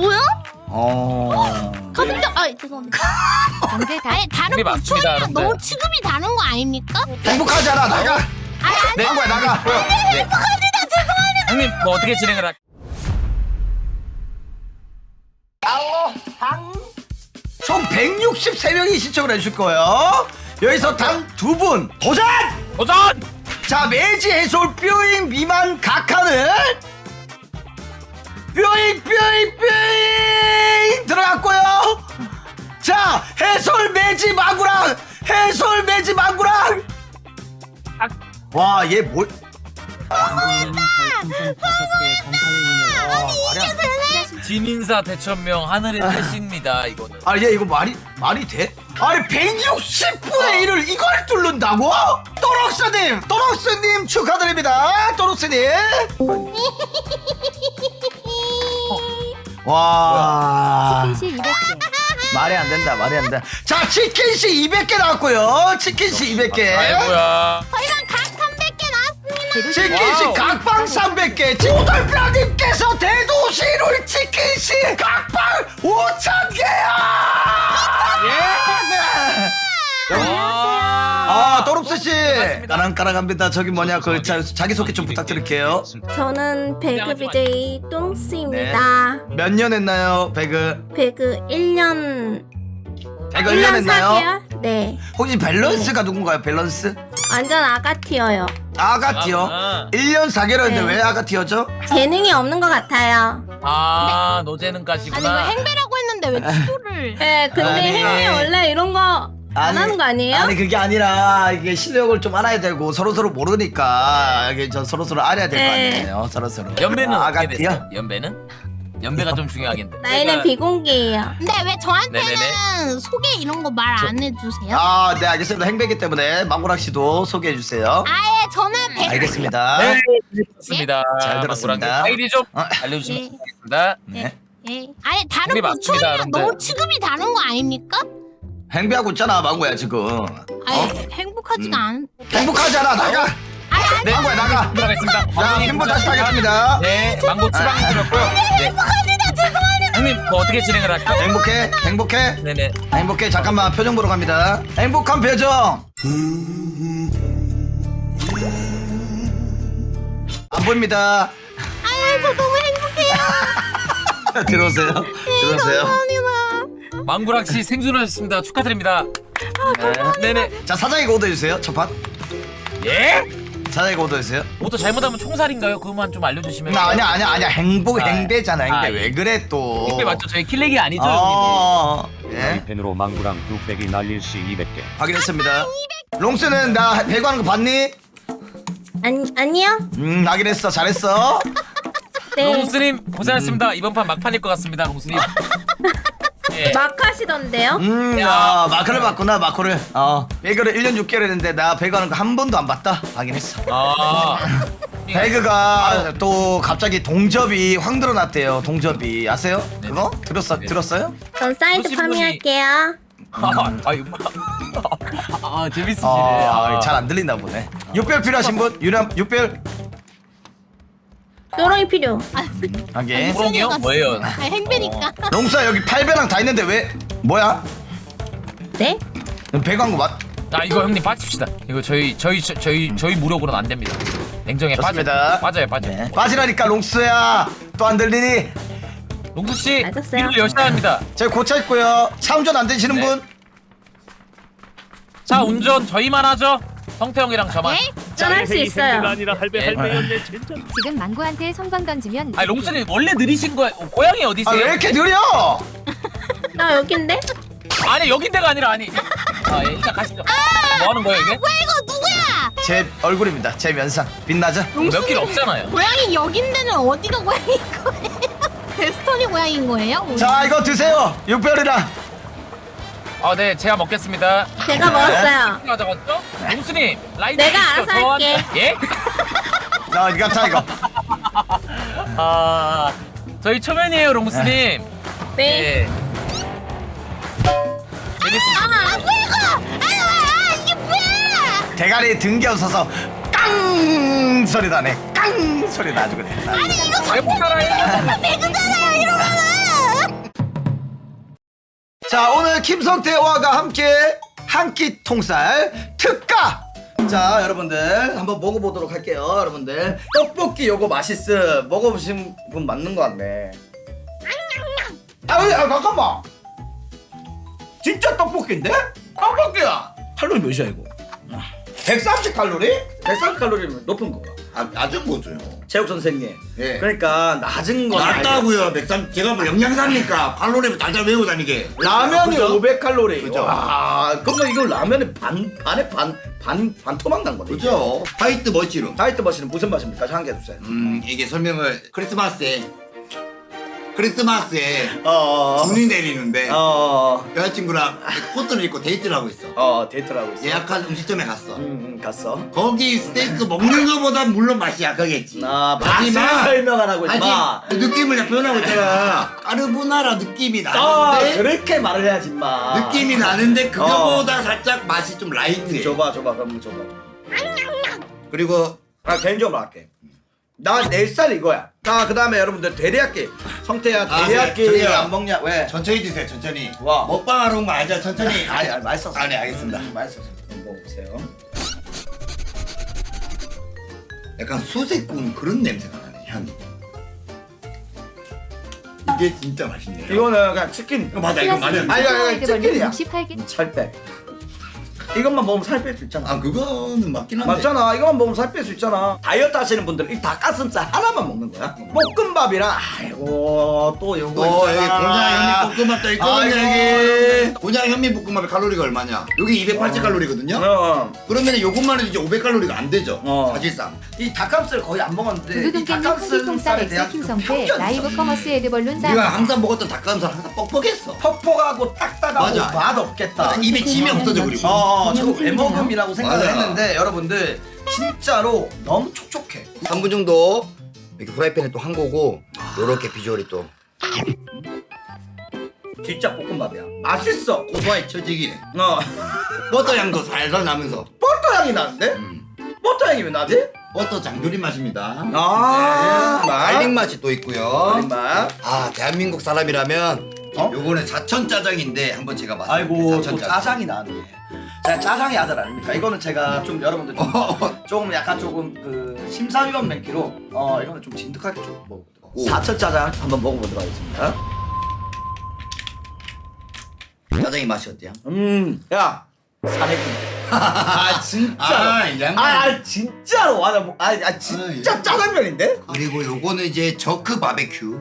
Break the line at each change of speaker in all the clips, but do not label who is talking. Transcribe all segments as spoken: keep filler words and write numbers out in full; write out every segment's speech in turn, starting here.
뭐야?
어.
가슴짝 아 죄송합니다.
언제 다
아니 다른
그게 맞습니다,
고초이랑
여러분들.
너무 취급이 다른 거 아닙니까?
행복하잖아 나가.
네.
망고야 나가.
네.
행복합니다. 죄송합니다.
형님 뭐 어떻게 진행을 할?
총 백육십삼 명이 신청을 해주실 거예요. 여기서 단 두 분 도전!
도전!
자 매지 해솔 뾰잉 미만 각하는 뾰잉 뾰잉 뾰잉 들어갔고요. 자 해솔 매지 마구랑 해솔 매지 마구랑 와얘 뭘?
진인사 대천명 하늘의 태신입니다 이거는.
아니 얘 이거 말이 말이 돼? 아니 백육십 분의 일을 이걸 뚫는다고? 또록스님 또록스님 축하드립니다 또록스님. 와
시 이백 개.
말이 안 된다 말이 안 된다. 자 치킨씨 이백 개 나왔고요. 치킨씨 이백 개.
아이고야.
저희가 각 삼백 개 나왔습니다.
치킨씨
와우.
각방 삼백 개. 지오돌프라님께서 대도시룰 치킨씨 각방 오천 개야. 아 또롭스씨 까랑까랑합니다. 저기 뭐냐 그 자, 자기소개 좀 부탁드릴게요.
저는 배그 비제이 똥스입니다.
몇 년 했나요 배그?
배그 일 년
배그 일 년 했나요?
사 개월? 네.
혹시 밸런스가 누군가요 밸런스?
완전 아가티어요.
아가티어
아,
일 년 사 개월인데
네.
왜 아가티어죠?
재능이 없는 것 같아요.
아
아니 이거
노재능까지구나.
행배라고 했는데 왜 치도를?
네, 근데
아니.
행위 원래 이런 거 안 하는 거 아니에요?
아니 그게 아니라 이게 실력을 좀 알아야 되고 서로 서로 모르니까 이게 저 서로 서로 알아야 될 거
네.
아니에요 서로 서로.
연배는 어떻게
아가티어?
됐어요? 연배는? 연배가 좀 중요하겠네.
나이는
제가-
비공개예요.
근데 왜 저한테는
네네네.
소개 이런 거 말 안 해주세요?
아, 네 알겠습니다. 행배기 때문에 망고락 씨도 소개해 주세요.
아예 저는 배.
알겠습니다.
네, 들었습니다.
잘 들었습니다.
아이디 좀
어.
알려주시면
네.
좋겠습니다.
네.
예. 아니 다른
그게 맞습니다,
고초이랑
여러분들.
너무 취급이 다른 거 아닙니까?
행배하고 있잖아, 망고야 지금.
아니 행복하지가
음.
않.
행복하잖아, 나가.
네,
망고야 나가.
들어가겠습니다.
자, 핀보 다시 타겠습니다.
네, 망고 추방 드렸고요. 네.
행복합니다. 죄송합니다.
형님 뭐 어떻게 진행을 할까요?
행복해, 행복해,
네네.
행복해. 잠깐만 표정 보러 갑니다. 행복한 표정. 안 보입니다.
아유 저 너무 행복해요.
들어오세요. 들어오세요.
감사합니다.
망구락 씨 생존하셨습니다. 축하드립니다.
네.
네네.
자 사장이가 오더 해주세요. 첫 판.
예?
사장이가 오더 해주세요.
뭐또 잘못하면 총살인가요? 그것만 좀 알려주시면.
나 아니야 아니야 아니야 행복
아,
행배잖아 행배
아,
왜
예.
그래 또.
이게 맞죠? 저희 킬렉이 아니죠, 형님.
어, 예.
펜으로 망구랑 뚝배기 날릴 시 이백 개.
확인했습니다. 롱스는 나 배구하는 거 봤니?
아니, 아니요?
음 확인했어 잘했어.
네.
롱스님 고생하셨습니다. 이번 판 막판일 것 같습니다, 롱스님. 예.
막 하시던데요?
음야 마크를 봤구나 마크를. 어 배구를 일 년 육 개월 했는데 나 배구하는 거 한 번도 안 봤다. 확인했어.
아.
배그가 또 갑자기 동접이 확 늘어났대요. 동접이 아세요?
네.
그거? 들었어
네.
들었어요?
전 사이드
보신 분이-
파밍할게요.
아, 아유. 아, 재밌으시네.
아,
아,
잘 안 들린다 보네. 육별 필요하신 분? 유람 육별
또롱이 필요.
하게.
호롱이요? 뭐예요?
아 행배니까.
롱스야 여기 팔 배랑 다 있는데 왜? 뭐야?
네?
배구 한거 맞?
아, 이거 형님 빠집시다. 이거 저희 저희 저, 저희 저희 무력으로는 안 됩니다. 냉정해 빠져.
좋습니다.
빠져요, 빠져.
네. 빠지라니까 롱스야. 또 안 들리니?
롱수 씨,
맞았어요.
일을 열심히 합니다.
저희 고차 있고요. 차 운전 안 되시는
네.
분?
자, 운전 저희만 하죠. 성태형이랑 저만.
네?
전 할 수 있어요.
아니라 할배
예.
할배였네 진짜.
지금 망고한테 성광 던지면
아니, 롱수님 원래 느리신 거예요. 어, 고향이 어디세요?
아 왜 이렇게 느려?
나 여긴데?
아니, 여긴데가 아니라 아니. 아, 예, 일단 가시죠. 뭐 하는 거예요, 이게?
왜 이거 누구야?
제 얼굴입니다. 제 면상 빛나죠?
몇 길 없잖아요.
고양이 여긴데는 어디가 고양인 거예요? 데스토니 고양인 거예요?
자 이거 드세요. 육별이랑.
아, 네, 제가 먹겠습니다.
제가 먹었어요.
가져갔죠? 롱수님, 라이트
내가
주시죠.
알아서
저한테-
할게.
예?
자 이거 자 이거.
아, 저희 초면이에요, 롱수님.
네.
예. 재밌으시죠?
아 뭐야 이거? 아, 아 이게 뭐야?
대가리 등겨서서 깡 소리 나네. 깡 소리 나주고 돼.
아니 이거
왜 못 따라해?
배그잖아요 이러면은.
자, 오늘 김성태와가 함께 한 끼 통살 특가. 자, 여러분들 한번 먹어보도록 할게요. 여러분들 떡볶이 요거 맛있음. 먹어보신 분 맞는 거 같네. 아, 아 잠깐만. 진짜 떡볶이인데? 떡볶이야. 칼로리 몇이야 이거? 백삼십 칼로리? 백삼십 칼로리면 높은 거가.
아, 낮은 거죠.
체육 선생님.
예.
그러니까 낮은 거
낮다고요. 백삼 제가 뭐 영양사입니까? 칼로리 달달 외우고 다니게.
라면이
그죠?
오백 칼로리.
그죠?
와, 그러면 이거 라면에 반 반에 반반 반토막 난 거네.
그죠? 화이트 머시룸.
다이어트 머신은 무슨 맛입니까? 한 개 주세요.
음, 이게 설명을 크리스마스에 크리스마스에
어.
눈이 내리는데
어.
여자친구랑 코트를 입고 데이트를 하고 있어.
어, 데이트를 하고 있어.
예약한 음식점에 갔어.
음, 음, 갔어.
거기 스테이크 먹는 거보다 물론 맛이 약하겠지.
아, 맛을
하지만
설명하라고 있지 마.
아직 그 느낌을 다 표현하고 있잖아. 까르보나라 느낌이
아,
나는데
그렇게 말을 해야지 마.
느낌이 나는데 그거보다 살짝 맛이 좀 라이트해.
줘봐, 줘봐, 그럼 줘봐.
그리고
아, 개인적으로 할게. 나 내 스타일 이거야. 자, 그 다음에 여러분들 대리야끼. 성태야,
아,
대리야끼
네, 저기요.
안 먹냐? 왜?
천천히 드세요. 천천히.
와.
먹방하러 온 거 알죠? 천천히.
아니, 아니, 맛있었어.
아, 네, 알겠습니다.
음, 맛있었어. 한번 먹어보세요.
약간 수세 구운 그런 냄새가 나네. 향이. 이게 진짜 맛있네요.
이거는 그냥 치킨.
이거 맞아. 이거 맞아.
아니, 아니, 아니, 치킨이야.
육십팔 개.
살 빼. 이것만 먹으면 살 뺄 수 있잖아.
아, 그거는 맞긴 한데.
맞잖아. 이것만 먹으면 살 뺄 수 있잖아. 다이어트 하시는 분들 이 닭가슴살 하나만 먹는 거야. 볶음밥이랑 아이고 또 요거
어, 여기
있잖아.
곤약 현미 볶음밥도 있거든요.
아이고.
여기. 곤약 현미 볶음밥의 칼로리가 얼마냐? 여기 이백팔십 칼로리거든요.
어.
그러면 요것만 해도 이제 오백 칼로리가 안 되죠.
어.
사실상.
이 닭가슴살 거의 안 먹었는데 이
두두둥깨님 한기통살
닭가슴살에 대한
엑스
그
김성태
편견이 있어.
라이브 커머스 에드벌룬 사.
우리가 항상 먹었던 닭가슴살 항상 뻑뻑했어.
퍽퍽하고 딱딱하고
맞아.
맛 없겠다.
맞아, 입에 침이 없어져 그리고.
어, 저거 애먹음이라고 생각을
맞아.
했는데 여러분들 진짜로 너무 촉촉해.
삼 분 정도 이렇게 프라이팬에 또 한 거고 요렇게 비주얼이 또
진짜 볶음밥이야. 맛있어.
고소하게 쳐지기네.
어.
버터 향도 살살 나면서
버터 향이 나는데?
음.
버터 향이 왜 나지?
버터 장조림 맛입니다.
아,
네.
맛.
갈릭 맛이 또 있고요.
맛.
아, 대한민국 사람이라면
어?
요거는 사천 짜장인데 한번 제가 맛을
아이고
사천
또 짜장이 나네. 제가 짜장의 아들 아닙니까? 이거는 제가 좀 여러분들 좀, 조금 약간 조금 그 심사위원 맹기로 어 이거는 좀 진득하게 좀 먹어보도록.
오.
사천 짜장 한번 먹어보도록 하겠습니다.
짜장이 맛이 어때요?
음, 야 사내기. 아 진짜.
아, 이 양반.
아, 아 진짜로. 아, 나 뭐, 아, 아 진짜
아, 예.
짜장면인데?
그리고 요거는 이제 저크 바베큐.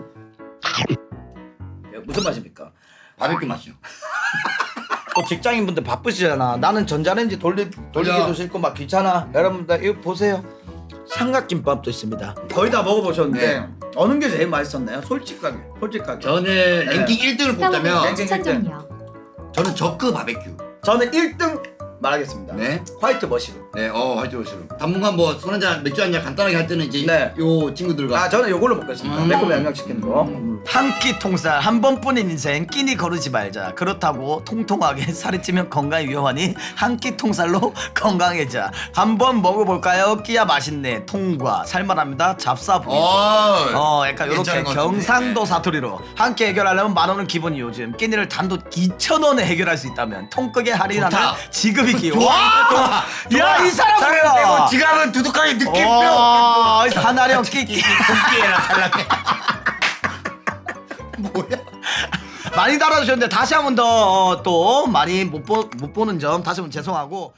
야, 무슨 맛입니까?
바베큐 맛이요.
또 직장인분들 바쁘시잖아. 나는 전자레인지 돌리, 돌리기도
그죠?
싫고 막 귀찮아. 여러분들 이거 보세요. 삼각김밥도 있습니다. 거의 다 먹어보셨는데
네.
어느 게 제일 맛있었나요? 솔직하게. 솔직하게.
저는
네.
랭킹 일 등을 뽑자면
랭킹
추천 좀요.
저는 저크 바베큐.
저는 일 등 말하겠습니다.
네.
화이트 머시룸.
네, 어, 화이트 머시룸. 당분간 뭐 술 한잔 맥주 한잔 간단하게 할 때는 이제
네.
요 친구들과
아 저는 요걸로 먹겠습니다.
음.
매콤 양념치킨으로. 한 끼 통살 한 번뿐인 인생 끼니 거르지 말자. 그렇다고 통통하게 살이 찌면 건강에 위험하니 한 끼 통살로 건강해자. 한번 먹어볼까요? 끼야 맛있네. 통과 살만합니다. 잡사부기.
어,
어 약간 요렇게
괜찮은 것 같은데.
경상도 사투리로 한 끼 해결하려면 만 원은 기본이 요즘 끼니를 단돈 이천 원에 해결할 수 있다면 통크게 할인하는
좋다.
지급이기.
좋아,
와! 야 이 사람
사람
뭐야?
빼고 지갑은 두둑하게 느낌표.
와, 하나령 끼끼.
토끼에나 살라게. 뭐야?
많이 달아주셨는데 다시 한 번 더 또 많이 못, 보, 못 보는 점 다시 한 번 죄송하고.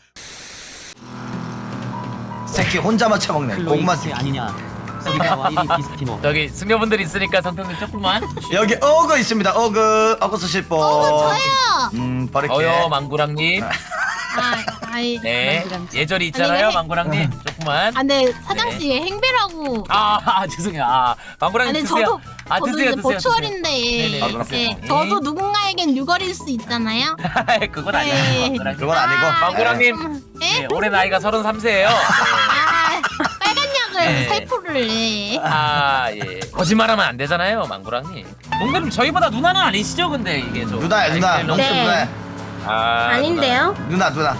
새끼 혼자만 처먹네. 고구마 새끼 아니냐.
저기 승려분들 있으니까 선택님 조금만.
여기 어그 있습니다. 어그 어그 쓰실 분.
저요.
음 버릴게.
어여 망구랑님.
아, 아이.
네. 예절이 있잖아요,
아니,
망구랑님. 조금만.
아, 근데 사장씨 행배라고.
아, 아 죄송해요. 아 망구랑님
아니
드세요.
저도
아
저도
드세요,
이제
드세요.
보초월인데.
네네.
아, 그렇군요.
네, 저도 누군가에겐 유걸일 수 있잖아요.
드세요. 그건 아니에요.
네.
망구랑님.
그건 아니고.
망구랑님.
예?
네, 올해 나이가 서른삼 세예요.
아, 빨간 약을
네.
살포를 내.
아 예. 거짓말하면 안 되잖아요, 망구랑님. 농구님 저희보다 누나는 아니시죠, 근데 이게 좀.
누나야 누나.
아니,
롱스
네.
누나.
아,
아닌데요?
누나 누나.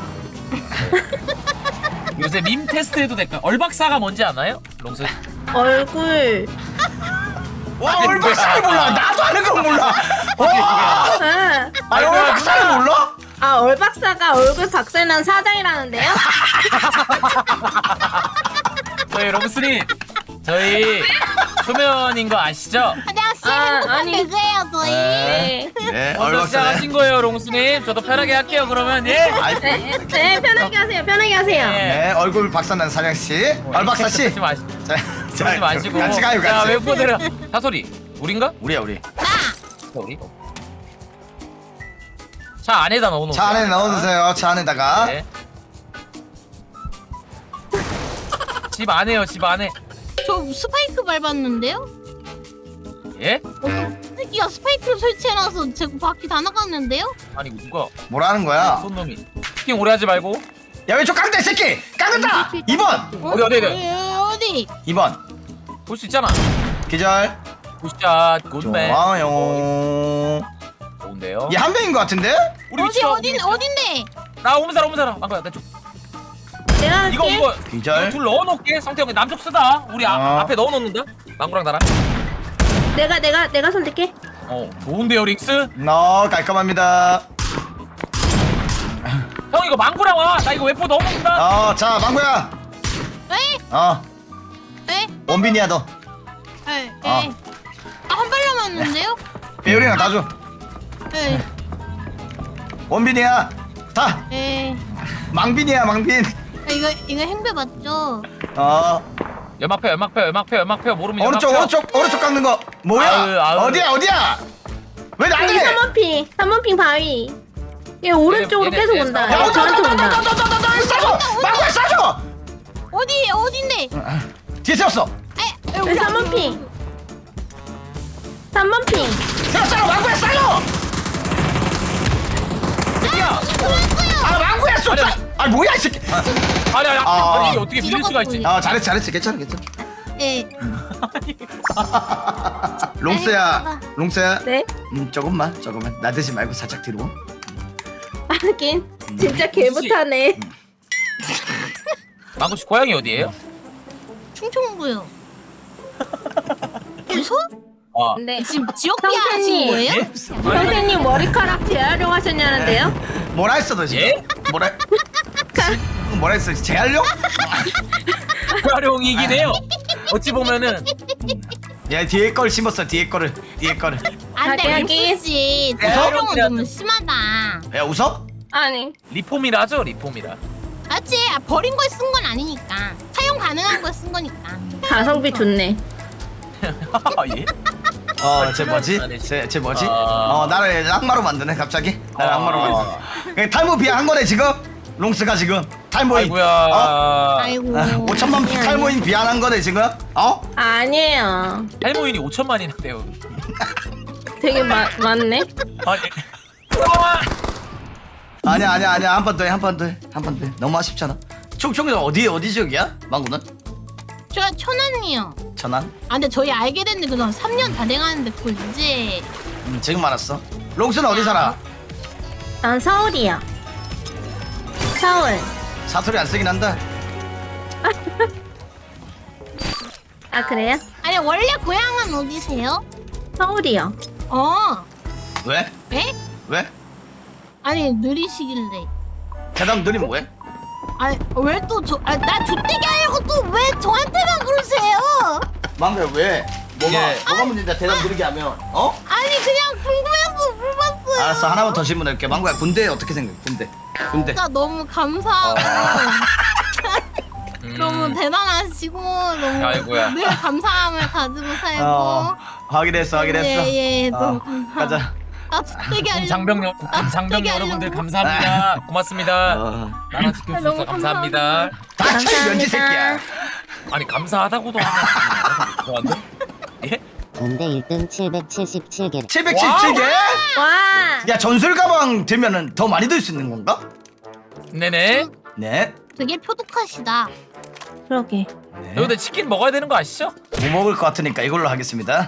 요새 밈 테스트 해도 될까요? 얼박사가 뭔지 아나요? 롱스.
얼굴
와 얼박사를 몰라. 나도 아는 건 몰라. 와.
아,
아니 얼박사를 몰라?
아 얼박사가 얼굴 박살난 사장이라는데요?
저희 롱스님 저희 초면인 거 아시죠?
안녕하세요.
아,
행복한
아니.
배그예요 저희.
네.
네
먼저
얼박사네.
시작하신 거예요 롱스님. 저도 편하게 할게요 그러면. 예.
아이,
네, 네, 편하게 하세요. 편하게 하세요.
네.
네 얼굴 박사난 사장 씨. 얼박사 씨.
그러지 마시-
자,
그러지 마시고.
같이 가요
자
같이.
웨포들은 사소리 우린가?
우리야 우리.
우리. 차 안에다 넣어놓으세요.
차 안에 넣어주세요. 차 안에다가.
네. 집 안에요 집 안에.
저 스파이크 밟았는데요?
예?
어떤 새끼가 스파이크를 설치해놔서 제 바퀴 다 나갔는데요?
아니 누가
뭐라는 거야?
손 놈이 킹 오래 하지 말고.
야 왼쪽 깡다 이 새끼. 깡다. 이 번.
어디 어디 어디
어디?
이 번.
볼 수 있잖아.
기절.
굿샷 굿맨.
좋아요.
좋은데요.
얘 한 명인 것 같은데?
우리
어디
위치가
어디 어딘데?
나 오면 살아 오면 살아. 안 거야 나 쪽.
내가
이거
할게.
이거
기절.
둘 넣어놓게. 성태형 남쪽 쓰다. 우리 아,
어.
앞에 넣어놓는다. 망구랑 나랑.
내가 내가 내가 손댈게.
어 좋은데요 릭스.
너 깔끔합니다.
형 이거 망구랑 와. 나 이거 웨포 넣어놓는다.
어, 자 망구야.
에?
어,
에?
원빈이야 너.
에?
어.
에? 아한 발 남았는데요?
배율이랑 다 줘.
에?
원빈이야. 다.
에?
망빈이야 망빈.
아, 이거 이거 행배 맞죠?
어,
연막표 연막표 연막표 연막표 모르면
오른쪽
연막표.
오른쪽 오른쪽 깎는 거. 뭐야?
아유, 아유.
어디야 어디야? 왜
여기
나한테?
삼 번 핑. 삼 번 핑 바위. 얘 오른쪽으로
얘네,
계속
얘네,
온다.
얘네.
얘 저한테 온다.
너너너너너너너 싸줘. 망구야 싸줘.
어디 어딘데?
뒤에 세웠어.
에?
여기 삼 번 핑. 삼 번 핑.
세웠잖아 망구야 싸줘.
야
아 망구야 쏘자. 아 뭐야 이 새끼.
아니 아니
아.
아니 이게 어떻게 밀릴 수가 있지?
아 잘했지 잘했지 괜찮아 괜찮아.
에?
롱스야 롱스야.
네.
음 조금만 조금만 나대지 말고 살짝 뒤로.
하긴 진짜 개못하네.
망구 씨 고향이 어디예요?
충청도요. 무서?
아
네.
지금 지역 비하하신
성태님.
거예요?
예?
선생님 머리카락 재활용하셨냐는데요?
뭐라 했어 너 지금?
예?
뭐라? 뭐라 했어? 재활용?
활용이긴 해요. 어찌 보면은
야 뒤에 걸 심었어 뒤에 거를 뒤에 거를.
안돼
하긴, 하긴.
릭스 씨
웃어?
대활용은 좀 심하다.
야 웃어?
아니.
리폼이라 하죠 리폼이라.
맞지? 아, 버린 걸 쓴 건 아니니까 사용 가능한 걸 쓴 거니까.
가성비 좋네.
예?
어쟤 뭐지? 쟤, 쟤 뭐지?
아.
어 나를 악마로 만드네 갑자기. 나를
아.
악마로 만드네. 그냥 탈모 비하한 거네 지금. 롱스가 지금 탈모인.
아이고야.
어?
아이고.
오천만
아니, 아니.
탈모인 비하한 거네 지금. 어?
아니에요.
할모인이 오천만이나돼요.
되게 마, 많네.
아니.
아니야 아니야 아니야 한 번 더 해 한 번 더 해 한 번 더 해. 너무 아쉽잖아. 총총이 어디 어디 지역이야? 망구는?
제가 천안이요.
천안?
아 근데 저희 알게 됐는데 그건 삼 년 다 돼가는데 그걸 이제
음 지금 알았어. 롱스는 어디 살아?
난 서울이요. 서울.
사투리 안 쓰긴 한다.
아 그래요?
아니 원래 고향은 어디세요?
서울이요.
어.
왜?
에?
왜?
아니 느리시길래.
대답 느리면 왜?
아니 왜 또 저? 아 나 족대기 하려고 또 왜 저한테만 그러세요?
망고야 왜? 뭐가
예.
뭐가 문제인데 대답 느리게 하면 어?
아니 그냥 궁금해서 물어봤어요.
알았어 하나만 더 질문할게. 망고야 군대 어떻게 생각해? 군대 군대
진짜 너무 감사하고
음.
너무 대단하시고 너무
아이고야.
늘 감사함을 가지고 살고.
어 확인했어 확인했어.
예예
어,
너무 감사.
가자.
나 족대기 하려고.
장병 여
나
장병
족대기
여러분들
하려고.
감사합니다. 고맙습니다.
어.
나라 지켜주셔서
너무
감사합니다.
닥쳐 면지 새끼야.
아니 감사하다고도 하면 좋아한데? 예?
군대 일 등 칠백칠십칠 개.
칠백칠십칠 개?
와.
야 전술 가방 들면은 더 많이 들 수 있는 건가?
네네.
네.
되게 표독하시다.
그러게.
네.
근데 치킨 먹어야 되는 거 아시죠?
못 먹을 것 같으니까 이걸로 하겠습니다.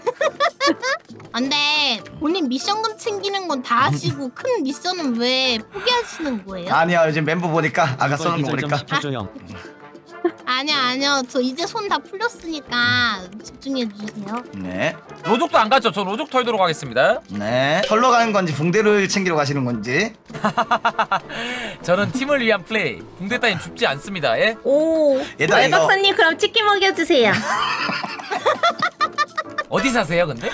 안돼 본인 미션금 챙기는 건 다 하시고 큰 미션은 왜 포기하시는 거예요?
아니야 요즘 멤버 보니까 아까
이걸
써는 거
기절 좀
보니까
시켜줘 형.
아니요 아니요 저 이제 손 다 풀렸으니까 집중해 주세요.
네.
로족도 안 갔죠? 저 로족 털도록 하겠습니다.
네. 털러 가는 건지 붕대를 챙기러 가시는 건지.
저는 팀을 위한 플레이. 붕대 따윈 줍지 않습니다. 예?
오.
얘들아,
알
이거-
박사님 그럼 치킨 먹여주세요.
어디 사세요, 근데?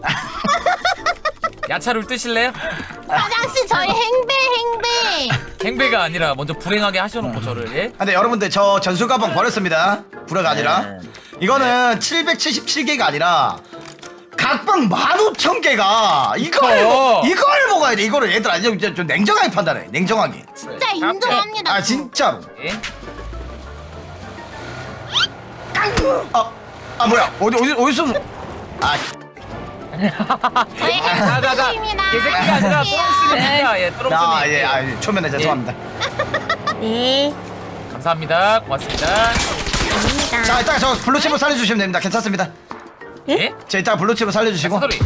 야차를 뜨실래요?
사장씨 저희 행배 행배.
행배가 아니라 먼저 불행하게 하셔놓고 저를 예?
근데 여러분들 저 전술 가방 버렸습니다. 불화가 아니라.
네.
이거는 칠백칠십칠 개가 아니라 각방 만 오천 개가 이걸
그쵸.
이걸 먹어야 돼. 이거를 얘들아 좀, 좀, 좀 냉정하게 판단해. 냉정하게.
진짜 인정합니다.
아
저.
진짜로.
예?
아, 아 뭐야? 어디 어디 어디서? 아
저희
가가가
행배입니다.
개새끼가 아니라 똥스입니다. 예, 똥스님.
아, 예, 아, 예, 초면에 죄송합니다.
네.
감사합니다. 고맙습니다.
갑니다.
자, 이따가 저 블루칩을 살려주시면 됩니다. 괜찮습니다.
예?
자, 이따가 블루칩을 살려주시고.
소리.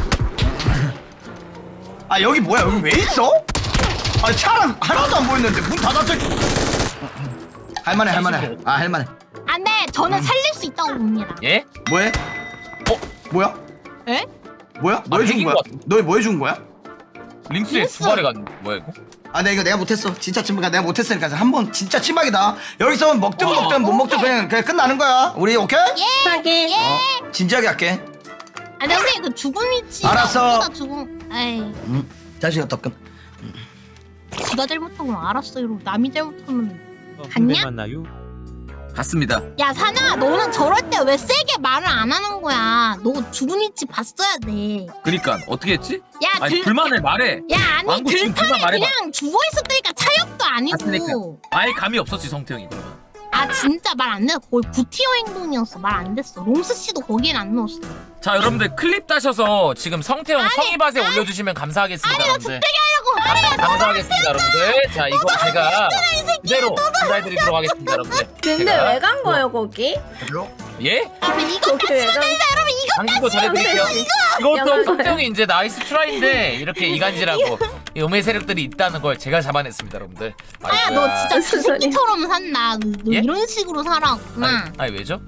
아, 여기 뭐야? 여기 왜 있어? 아, 차랑 하나도 안 보이는데 문 닫았어. 할만해, 할만해. 아, 할만해.
안돼 저는 살릴 수 있다고 봅니다.
예?
뭐해? 어, 뭐야?
에?
뭐야? 뭐 해준
핵인
거야?
것 같은데?
너 뭐 해준 거야?
링스에
링스.
두 발에 간 뭐야 이거?
아, 내가 이거 내가 못했어. 진짜 찜박이야. 내가 못했으니까 한번 진짜 찜박이다. 여기서 먹든 먹든 못 먹든 그냥 그냥 끝나는 거야. 우리 오케이?
예.
하긴.
어, 진지하게 할게.
아 근데 우리 그 죽음 위치.
알았어.
죽음. 에이.
음, 자식아 덕금.
지가 잘못한 건 알았어. 이러고 남이 잘못하면
군대
갔냐?
만나요?
갔습니다.
야 사나 너는 저럴 때 왜 세게 말을 안 하는 거야? 너 죽은 위치 봤어야 돼.
그니까 어떻게 했지?
야
아니
들.
불만을 말해.
야 아니
왕구 지금
들판에
불만 말해봐.
그냥 죽어 있었다니까 차역도
봤으니까.
아니고.
아예 감이 없었지 성태형이 그러면.
아 진짜 말 안 됐어. 거의 구티어 행동이었어. 말 안 됐어. 롱스 씨도 거기엔 안 넣었어.
자 여러분들 클립 따셔서 지금 성태형 성의밭에 올려주시면 감사하겠습니다 여러분들.
하고
감사하겠습니다 여러분들. 자 이거 제가 그대로 감사해드리도록 하겠습니다 여러분들.
근데
제가
왜 간 거예요 거기?
예?
아 이거
거기 왜 간?
여러분 이거
당기도 잘해드릴게요. 이것도
영광
성태형이 이제 나이스 트라이인데 이렇게 이간질하고 이 음해 세력들이 있다는 걸 제가 잡아냈습니다 여러분들.
아야 너 진짜
무슨 소리야?
주새끼처럼 산다. 너, 너
예?
이런 식으로 살았구나.
아니, 아니 왜죠?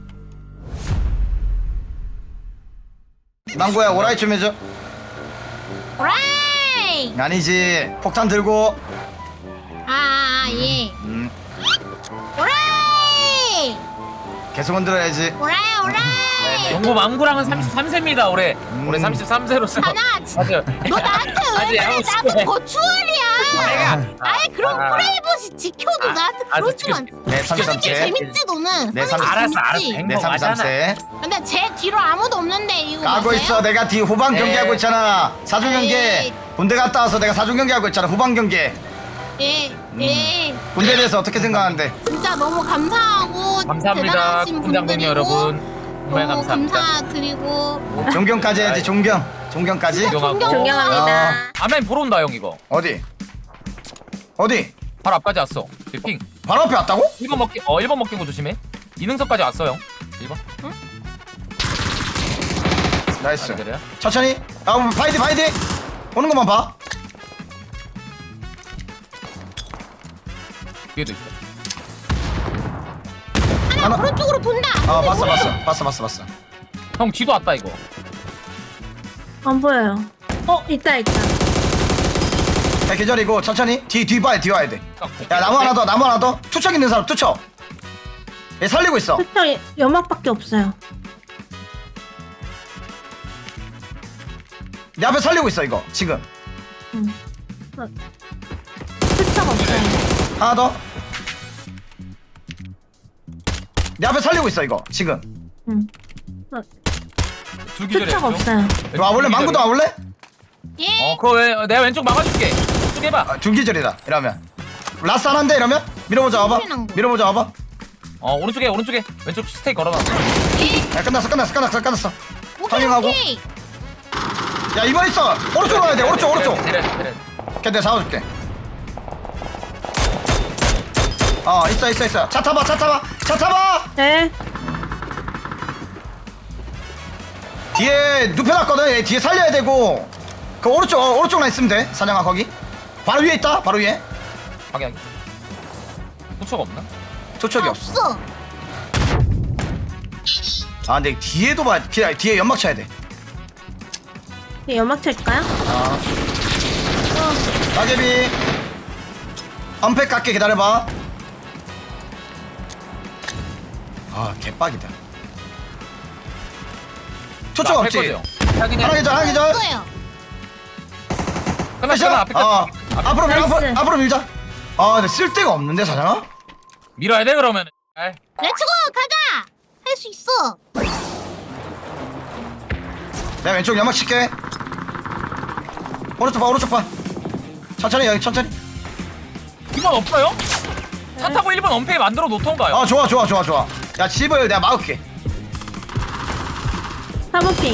망고야 오라이 좀 해줘.
오라이.
아니지. 폭탄 들고.
아, 아 예.
음,
오라이.
계속 흔들어야지.
오라이 오라이.
영구 망구랑은 삼십삼 세입니다 올해. 올해 삼십삼 세로서.
하나 진짜
맞아요.
너 나한테
아직
왜 그래?
아홉
나도
시에.
고추월이야. 아이 그럼
아.
프레이버시 지켜도
아,
나한테
알았어,
그러지 마.
지켜줄게.
네, 삼십삼
이게
세.
재밌지 너는.
네,
사는 게
알았어, 알았어.
재밌지?
행-
네, 삼십삼 세.
근데 제 뒤로 아무도 없는데 이거
까고
맞아요?
있어. 내가 뒤 후방
네.
경기하고 있잖아. 사중 경기.
에이.
군대 갔다 와서 내가 사중 경기하고 있잖아. 후방 경기.
예, 예.
군대에 대해서 어떻게 생각하는데?
진짜 너무 감사하고
감사합니다
대단하신
군장군님
분들이고
여러분. 정말
너무
감사합니다.
감사드리고
존경까지 해야지. 존경. 존경까지.
존경하고.
존경합니다.
아멘 보러 온다 형 이거.
어디? 어디?
바로 앞까지 왔어. 핑.
바로 앞에 왔다고?
일 번 먹기 어 일 번 먹긴 거 조심해. 이능선까지 왔어 형. 일 번.
나이스.
아, 그래요?
천천히. 아, 바이디 바이디. 오는 것만 봐.
뒤에도 있어.
하나
하나.
오른쪽으로 돈다.
아, 봤어 봤어. 봤어 봤어 봤어.
형 뒤도 왔다 이거.
안 보여요. 어 있다 있다.
야, 계절이고 천천히. 뒤 뒤 봐야 뒤 와야 돼. 야, 나무 하나 더. 나무 하나 더. 투척 있는 사람 투척. 얘 살리고 있어.
투척 연막밖에 없어요.
내 앞에 살리고 있어 이거 지금.
응. 투척 없어요.
하나 더. 내 앞에 살리고 있어 이거 지금.
응.
두 기절이야.
투척 없어요.
이리 와볼래? 망구도 와볼래?
예.
어 그거 왜 내가 왼쪽 막아줄게. 쭉 해봐.
아, 중기절이다 이러면. 라스 하나인데 이러면? 밀어보자 와봐. 밀어보자 와봐.
어 오른쪽에 오른쪽에 왼쪽 스테이 걸어놔.
야, 끝났어 끝났어 끝났어 끝났어.
오케이
타밍하고.
오케이.
야, 이번 있어. 오른쪽으로 가야 돼. 오른쪽 오른쪽.
내려 내려.
걔 내가 잡아줄게. 어, 있어 있어 있어. 차 타봐 차 타봐 차 타봐.
네.
뒤에 눕혀놨거든. 얘 뒤에 살려야 되고. 그 오른쪽 어, 오른쪽만 있으면 돼. 사냥아 거기. 바로 위에 있다. 바로 위에.
확인. 후처가 없나?
조척이 없어.
없어.
아 근데 뒤에도 봐. 기다려, 뒤에 연막 쳐야 돼.
네, 연막 칠까요?
아. 따개비. 언팩 깎게 기다려봐. 아 개빡이다. 초점 없지?
확인해.
하나 기절 하나 기절.
없어요.
끝났어. 앞에
어. 앞으로 밀 앞으로,
나이스.
앞으로 밀자. 아 근데 쓸 데가 없는데 사장아?
밀어야 돼 그러면. 아이.
렛츠고 가자. 할 수 있어.
내가 왼쪽 연막 칠게. 오른쪽 봐 오른쪽 봐. 천천히 여기 천천히.
이번 없어요? 차 타고 일 번 언페이 만들어 놓던가요?
아 좋아 좋아 좋아 좋아. 야 집을 내가 막을게.
사모핑.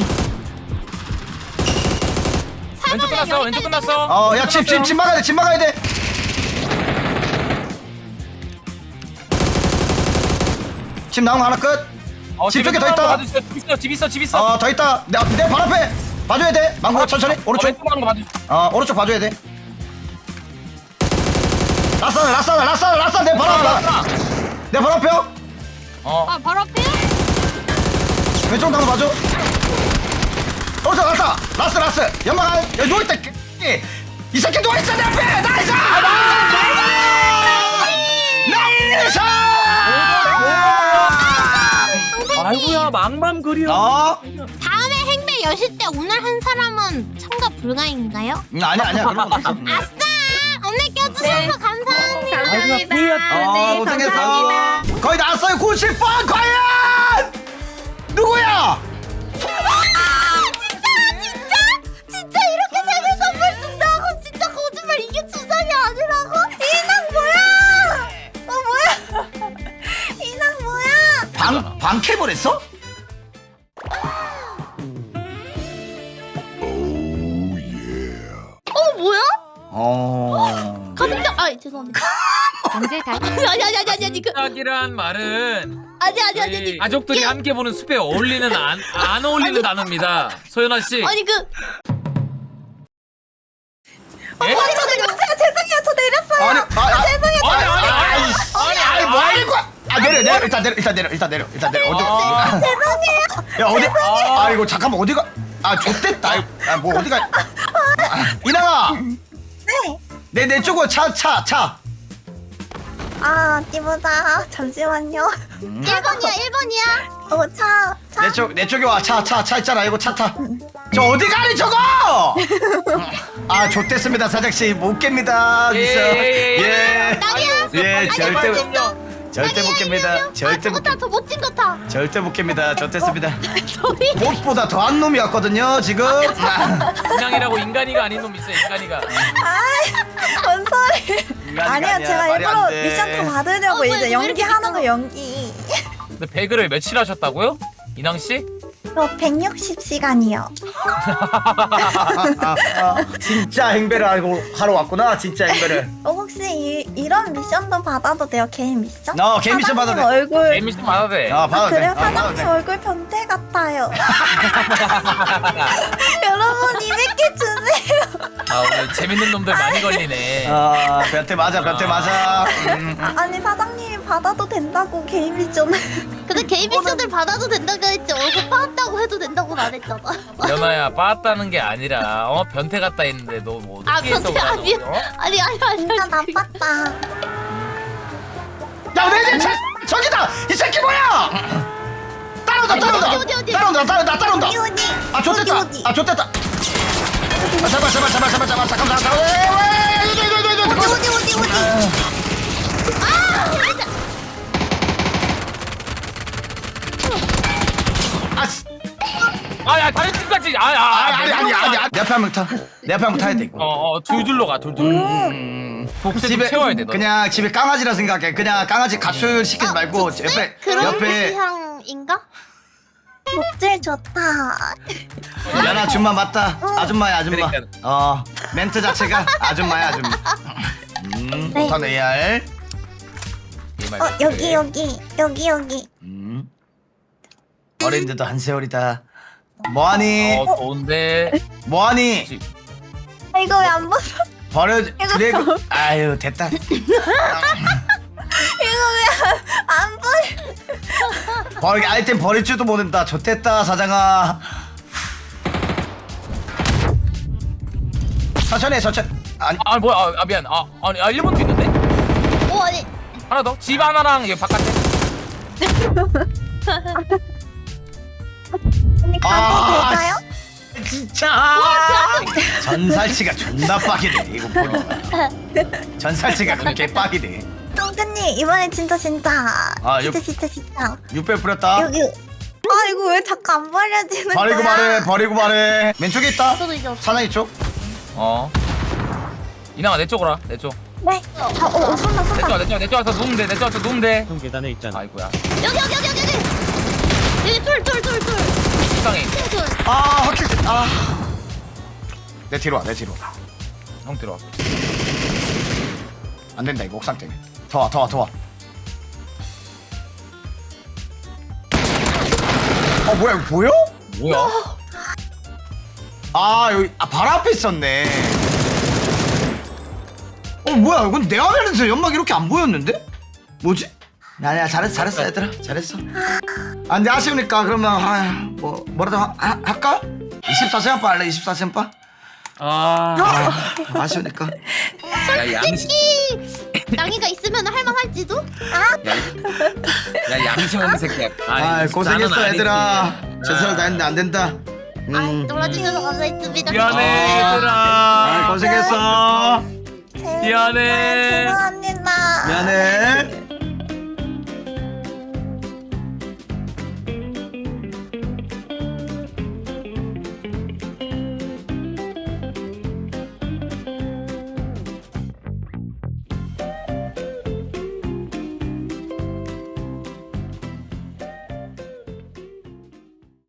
왼쪽 끝났어. 왼쪽 끝났어.
어 야 집 집 집 막아야 돼 집 막아야 돼. 집 나온 거 하나 끝.
어,
집
집
쪽에 더 있다.
집 있어. 집 있어. 집 있어.
어 더 있다. 내내 발 앞에 봐줘야 돼. 망고 천천히
어,
오른쪽.
왼쪽 가는 거 봐줘.
어 오른쪽 봐줘야 돼. 라싸나 라싸나 라싸나 라싸나 내 발 앞에. 내 발 앞에.
어.
아 바로 앞에.
왼쪽 나도 봐줘. 오른쪽 라싸 라스 라스 연막 안 여기 누워있다. 이 새끼 누워있어 내 앞에. 나이스. 나이스.
아이고야 망망 그려.
어?
다음에 행배 여실 때 오늘 한 사람은 참가 불가인가요?
음, 아니야 아니야 그런 거 없어.
아싸! 오늘 껴주셔서 감사합니다.
감사합니다.
어,
네,
고생했어.
감사합니다.
거의 나왔어요. 구십 번 과연 누구야?
아, 진짜 진짜 진짜 이렇게 생일 선물 준다고 진짜 거짓말 이게 주상이 아니라고? 이낭 뭐야? 어 뭐야? 이낭 뭐야?
방 방캡을 했어?
어 뭐야?
어.
가슴짝 아 죄송합니다.
언제 다
아니 아니 아니 아니 아니 그
짝이란 말은
아니 아니 아니
저희
아니
가족들이 함께 보는 숲에 어울리는 안, 안 어울리는 단어입니다. 소연아 씨.
아니 그
예?
아니 저 내렸어요. 죄송해요. 저 내렸어요.
아니 아, 아,
죄송해요.
아니 아니 아니
아니 아니 뭐 하는 거야? 아 내려 내려 일단 내려 일단 내려 일단 내려 일단 내려 어디?
아.
야 어디? 아 이거 잠깐만 어디가? 아 좆됐다. 아뭐 어디가? 아, 이나가.
네.
내 내 쪽으로 차 차 차.
아, 어디보다. 잠시만요.
음.
일 번이야 일 번이야.
어, 차, 차.
내 쪽 내 쪽에 와 차 차 차 있잖아 이거 차 타. 저 어디 가니 저거? 아 좆됐습니다 사장 씨못 깹니다.
예,
미스.
예,
예.
나비야.
예 절대
멋있어.
절대 못 깹니다. 절대
아,
못
저거 타.
깹.
저 멋진 거 타.
절대 못 깹니다. 좆됐습니다.
소리.
꽃보다 더한 놈이었거든요 지금.
인양이라고 인간이가 아닌 놈 있어 인간이가.
뭔 소리.
인간이가
아니야,
아니야,
제가
말이
일부러
안 돼.
미션 더 받으려고
어, 뭐야,
이제
왜
연기
이렇게
하는 거
미끄러워?
연기.
근데 배그를 며칠 하셨다고요? 인왕 씨?
저 백육십 시간이요.
진짜 행배를 하고 하러 왔구나 진짜 행배를.
어, 혹시 이, 이런 미션도 받아도 돼요? 개인 미션?
어, 개인 미션 받아도
사장님
돼.
얼굴.
에미씨 받아도 돼.
아
아,
받아도 돼.
그래요?
아, 받아도
사장님
돼.
얼굴 변태 같아요. 여러분 이백 개 주세요.
아 오늘 재밌는 놈들 많이 걸리네.
아 변태 맞아 변태 맞아. 음.
아, 아니 사장님이 받아도 된다고 개인 미션을.
근데 개인 미션을 받아도 된다고 했지 얼굴 빠았다고 해도 된다고는 안 했잖아.
연아야 빠았다는 게 아니라 어 변태 같다 했는데 너 뭐
아
어떻게 해서
변태 아니
그러는 거야?
아니 아니 아니
진짜
아니.
나빴다.
야내 집 저기다 이 새끼 뭐야? 따라온다 따라온다.
어디, 어디, 어디?
따라온다 따라온다 따라온다.
어디 어디?
아 좋댔다.
어디, 어디?
아 좋댔다. 아 제발 제발 제발 제발 제발 잠깐만 잠깐만. 왜, 왜, 이거, 이거, 이거, 이거, 이거.
어디 어디 어디?
아, 씨.
아야 다른 팀까지 아야
아니 아니 아니 아니 내 앞에 한 명 타. 내 앞에 한 명 타야 돼 이거.
어어 둘둘로 가 둘둘.
음.
복수
집에
채워야 돼 너.
그냥 집에 강아지라 생각해. 그냥 강아지 가출 시키지 말고 옆에
그런
옆에
향인가?
목질 좋다.
연아 줌마 맞다. 아줌마야 아줌마.
그러니까.
어 멘트 자체가 아줌마야 아줌마. 음
네.
못한 에이알.
어 여기 여기 여기 여기.
음 어린데도 한 세월이다. 뭐하니?
어 좋은데.
뭐하니?
아, 이거 왜 안 벗어?
버려 드래그. 아유 됐다.
이거 왜 안 보여?
버리 아이템 버릴 줄도 모른다. 좋댔다 사장아. 천천히 해, 천천히. 아니
아 뭐야 아, 아 미안 아 아니 아 일 번도 있는데
오 아니
하나 더 집 하나랑 여기 바깥에
언니 가도
아,
될까요?
진짜 전살치가 존나 빡이네 이거 보니까. 전살치가 그렇게 빡이네.
형근님 이번엔 진짜 진짜.
아,
진짜
요-
진짜 진짜.
육백 뿌렸다.
여기. 아 이거 왜 자꾸 안 버려지는 거야?
버리고 말해 버리고 말해. 왼쪽에 있다.
저도 이제 없어.
사나이 쪽.
어 이나가 내 쪽으로 와내쪽
네. 아, 어, 어, 쏜다,
내
쏜다.
쪽, 내 쪽, 내 쪽 와서 누우면 돼, 내 쪽 와서 누우면 돼.
형 계단에 있잖아.
아이고야.
여기 여기 여기 여기 여기 여기 툴툴툴툴
식상해.
툴.
아 확실히 아. 내 뒤로 와 내 뒤로.
형 들어와.
안 된다 이거 옥상 때문에. 더 와 더 와 더 와. 어 뭐야 이거 보여?
뭐야?
아 여기 아 발 앞에 있었네. 어 뭐야 이건 내 화면에서 연막 이렇게 안 보였는데? 뭐지? 아니야 잘했어 잘했어 얘들아 잘했어. 아 근데 아쉬우니까 그러면 아, 뭐 뭐라도 하, 하, 할까? 이십사 시간 빠 할래 이십사 시간 빠?
아,
아 아쉬우니까.
야 양심,
솔직히 낭이가 있으면 할만할지도.
야 양심 없는 새끼야.
아 고생했어 얘들아. 최선을 다했는데 안 된다.
아
음.
놀아주셔서 감사했습니다.
미안해
아
얘들아.
고생했어.
미안해.
죄송합니다.
미안해.